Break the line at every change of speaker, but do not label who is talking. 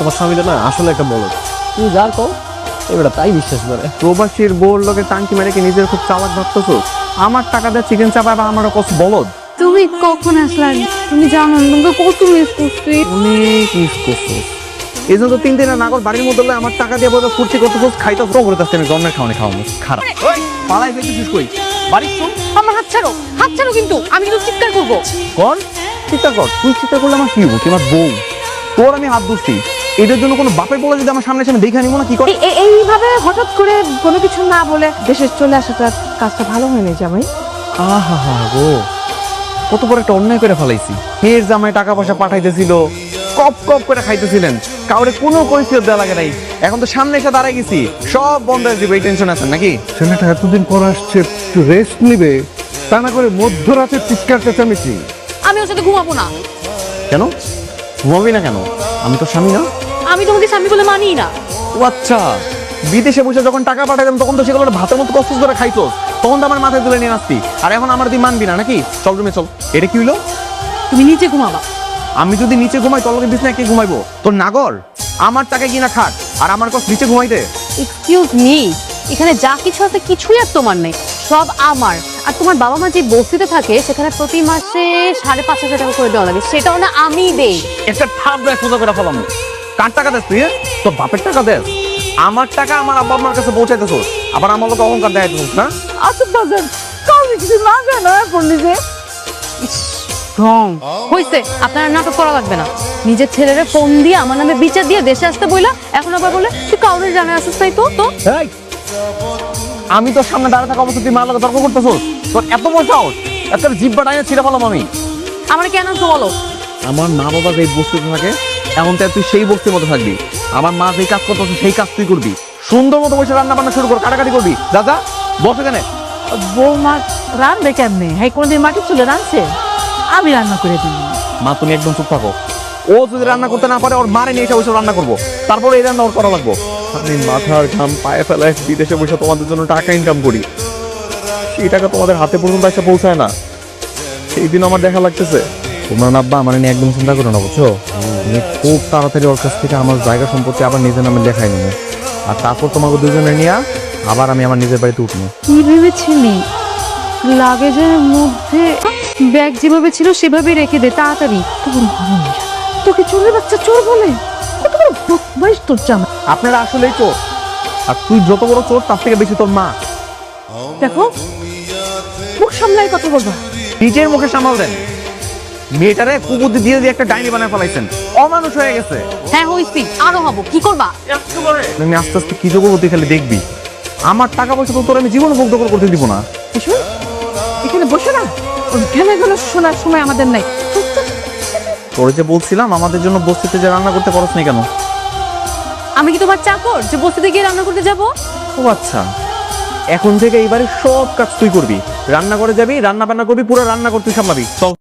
তোমার স্বামীটা না আসলে একটা বলদ। তুমি যা কও এবারে তাই বিশ্বাস করে।
প্রবাসীর বউর লোকে টাঙ্কি মেরে কি নিজের খুব চালাক ভাবতেছো? আমার টাকা দিয়ে চিকেন চাপা বা আমারও কত বলদ।
তুমি কখন আসলা? তুমি জানো তোমাকে কত মিস করছি।
অনেক মিস করছো। এই জন্য তো 3 দিনের নাগর বাড়ির মধ্যে আমার টাকা দিয়ে বলে ফুর্তি করতেছো, খাইতে করে যাচ্ছে। আমি জন্মের খাওয়ানি খাওয়ানো খারাপ। পালাই ফেলতেছিস কই? বাড়ি চল।
আমার হাত ছাড়ো কিন্তু আমি কিন্তু চিৎকার করবো।
কর, চিৎকার কর। তুই চিৎকার করলে আমার কি হবো? তুই আমার বউ, তোর আমি হাত ধরছি। এদের জন্য কোনো বাপের বলে যদি আমার সামনে এসে দেখে নিবো না কি করে?
এইভাবে হঠাৎ করে কোনো কিছু না বলে দেশে চলে আসাটা কাজটা ভালো হয়নি জামাই।
আহা হা গো, কত বড় একটা অন্যায় করে ফেলাইছি। মেয়ের জামাই টাকা পয়সা পাঠাইতেছিল, কপ কপ করে খাইতেছিলেন, কাউরে কোনো কৈফিয়ত দেওয়া লাগে নাই। এখন তো সামনে এসে দাঁড়াই গেছি, সব বন্ধ হয়ে যাবে। এই টেনশন আছেন নাকি?
ছেলেটা এতদিন পর আসছে, একটু রেস্ট নিবে, তা না করে মধ্যরাতে চিৎকার চেঁচামেচি।
আমি ওর সাথে ঘুমাবো না।
কেন ঘুমাবি না কেন? আমি তো স্বামী না।
আমি তোমাকে স্বামী বলে মানি না।
ও আচ্ছা, বিদেশে বসে যখন টাকা পাঠাতাম তখন তো সেগুলো ভাতের মতো কষ্ট করে খাইতো, তখন তো আমার মাথায় তুলে নিয়ে আসতি। আর এখন আমার তুই মানবি না নাকি? চল রুমে চল। এটা কি হলো?
তুমি নিচে ঘুমাবা।
আমি যদি নিচে ঘুমাই তোর লগে বিছনায় কে ঘুমাইবো? তোর নাগর আমার টাকা কিনা খাট, আর আমার কষ্ট নিচে ঘুমাইতে।
এক্সকিউজ মি, এখানে যা কিছু আছে কিছুই আর তোমার নেই, সব আমার। আর তোমার বাবা মা যে বস্তিতে থাকে সেখানে প্রতি মাসে 5,500 টাকা করে দেওয়া লাগে, সেটাও না আমি দেই।
একটা থাপড়ায় সোজা করে ফেলাম। কার টাকা দেস তুই? তোর বাপের টাকা দেস? আমার টাকা আমার আব্বা আম্মার কাছে পৌঁছাইতেছ, আবার আমার লোক অহংকার দেখাইতেছ না?
আচ্ছা বাজার কাউকে কিছু না জানা পড়লি যে রং হইছে। আপনার নাটক করা লাগবে না। নিজের ছেলেরে ফোন দিয়ে আমার নামে বিচার দিয়ে দেশে আসতে বইলা, এখন আবার বলে তুই কাউরে জানা আসিস তাই তো তো
এই, আমি তোর সামনে দাঁড়িয়ে থাকা অবস্থা তুই মার লগে তর্ক করতেছ? তোর এত বড় সাহস? একটা জিব্বা টাইনে ছিঁড়ে ফেলাম আমি।
আমার কেন তো বলো।
আমার মা বাবা যেই বস্তিতে থাকে এখন তো তুই সেই বস্তির মতো থাকবি। আমার মা যেই কাজ করতেছে সেই কাজ তুই করবি। সুন্দর মতো বসে রান্না বান্না শুরু কর, কাটাকাটি করবি। যা যা, বস এখানে।
বৌমা রান্না কেমনে? হ্যাঁ, কোনদিন মাটির চুলে রাঁধছে? আমি রান্না করে দিই।
মা তুমি একদম চুপ থাকো। ও যদি রান্না করতে না পারে ওর মারে নিয়ে এসে ওইসব রান্না করবো, তারপরে এই রান্না ওর করা লাগবো। আমি মাথার ঘাম পায়ে ফেলায় বিদেশে বসে তোমাদের জন্য টাকা ইনকাম করি, সেই টাকা তোমাদের হাতে পর্যন্ত এসে পৌঁছায় না। সেই দিন আমার দেখা লাগতেছে। তোমরা আব্বা আমার নিয়ে একদম চিন্তা করো না, বুঝছো? আমি খুব তাড়াতাড়ি ওর কাছ থেকে আমার জায়গা সম্পত্তি আবার নিজের নামে লেখাই নেব, আর তারপর তোমাকে দুজনে নিয়ে আবার আমি আমার নিজের বাড়িতে উঠবো।
কি ভেবেছিলি? লাগেজের মধ্যে ব্যাগ যেভাবে ছিল সেভাবেই রেখে দে তাড়াতাড়ি।
তোকে চোরের বাচ্চা চোর বলে? কত বড় বদমাইশ তোর জামা।
আপনারা আসলেই চোর, আর তুই যত বড় চোর তার থেকে বেশি তোর মা।
দেখো, মুখ সামলাই কথা বলবা।
নিজের মুখে সামাল দেন। মেয়েটারে কুবুদ্ধি দিয়ে দিয়ে একটা ডাইনি বানায় ফেলাইছেন, অমানুষ হয়ে গেছে।
হ্যাঁ হইছি, আরো হব। কি করবা?
আমি আস্তে আস্তে কি করবো তুই খালি দেখবি। আমার টাকা পয়সা তো তোর আমি জীবনে ভোগ দখল করতে দিব না।
এসো, এখানে বসে না, ঘেমে গেলে শোনার সময় আমাদের নাই।
তোর যে বলছিলাম আমাদের জন্য বস্তিতে যে রান্না করতে পারছ না কেন?
আমি কি তোমার চাকর যে বস্তিতে গিয়ে রান্না করতে যাব?
ও আচ্ছা, এখন থেকে এইবারে সব কাজ তুই করবি। রান্না করে যাবি, রান্না বান্না করবি, পুরো রান্না করতে সামলাবি। চল।